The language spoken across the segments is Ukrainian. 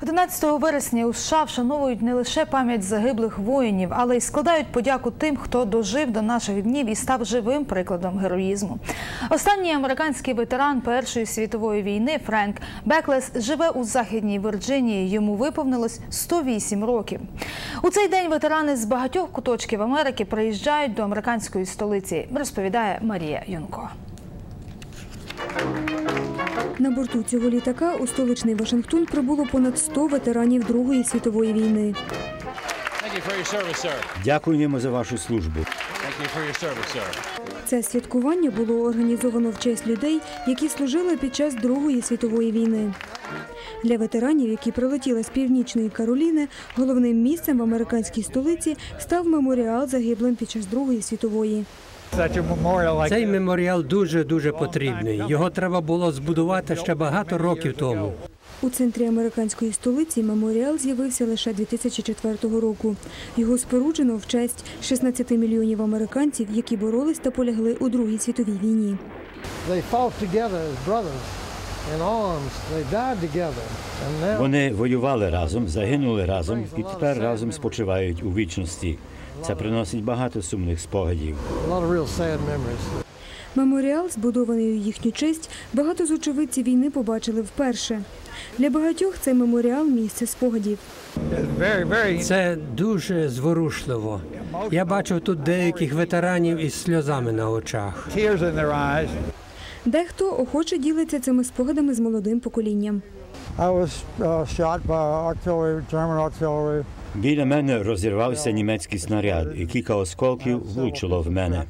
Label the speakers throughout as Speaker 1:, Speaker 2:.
Speaker 1: 11 вересня у США вшановують не лише пам'ять загиблих воїнів, але й складають подяку тим, хто дожив до наших днів і став живим прикладом героїзму. Останній американський ветеран Першої світової війни Френк Беклес живе у Західній Вірджинії. Йому виповнилось 108 років. У цей день ветерани з багатьох куточків Америки приїжджають до американської столиці, розповідає Марія Юнко.
Speaker 2: На борту цього літака у столичний Вашингтон прибуло понад 100 ветеранів Другої світової війни.
Speaker 3: Дякуємо за вашу службу.
Speaker 2: Це святкування було організовано в честь людей, які служили під час Другої світової війни. Для ветеранів, які прилетіли з Північної Кароліни, головним місцем в американській столиці став меморіал загиблим під час Другої світової.
Speaker 4: Цей меморіал дуже потрібний. Його треба було збудувати ще багато років тому.
Speaker 2: У центрі американської столиці меморіал з'явився лише 2004 року. Його споруджено в честь 16 мільйонів американців, які боролись та полягли у Другій світовій війні.
Speaker 3: Вони воювали разом, загинули разом і тепер разом спочивають у вічності. Це приносить багато сумних спогадів.
Speaker 2: Меморіал, збудований у їхню честь, багато з очевидців війни побачили вперше. Для багатьох цей меморіал – місце спогадів.
Speaker 4: Це дуже зворушливо. Я бачив тут деяких ветеранів із сльозами на очах.
Speaker 2: Дехто охоче ділиться цими спогадами з молодим поколінням.
Speaker 3: Біля мене розірвався німецький снаряд, і кілька осколків влучило в мене.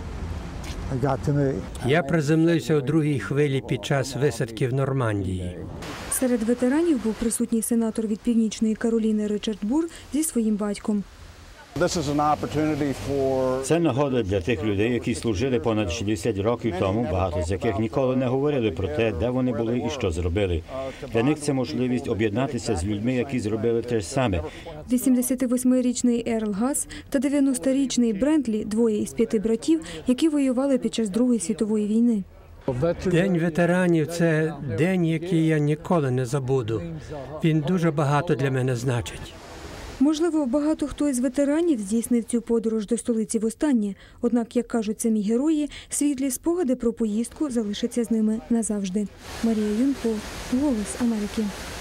Speaker 4: Я приземлився у другій хвилі під час висадки в Нормандії.
Speaker 2: Серед ветеранів був присутній сенатор від Північної Кароліни Ричард Бур зі своїм батьком.
Speaker 3: Це нагода для тих людей, які служили понад 60 років тому, багато з яких ніколи не говорили про те, де вони були і що зробили. Для них це можливість об'єднатися з людьми, які зробили те ж саме.
Speaker 2: 88-річний Ерл Гас та 90-річний Брентлі – двоє із 5 братів, які воювали під час Другої світової війни.
Speaker 4: День ветеранів – це день, який я ніколи не забуду. Він дуже багато для мене значить.
Speaker 2: Можливо, багато хто із ветеранів здійснив цю подорож до столиці востаннє. Однак, як кажуть самі герої, світлі спогади про поїздку залишаться з ними назавжди. Марія Юнко, «Голос Америки».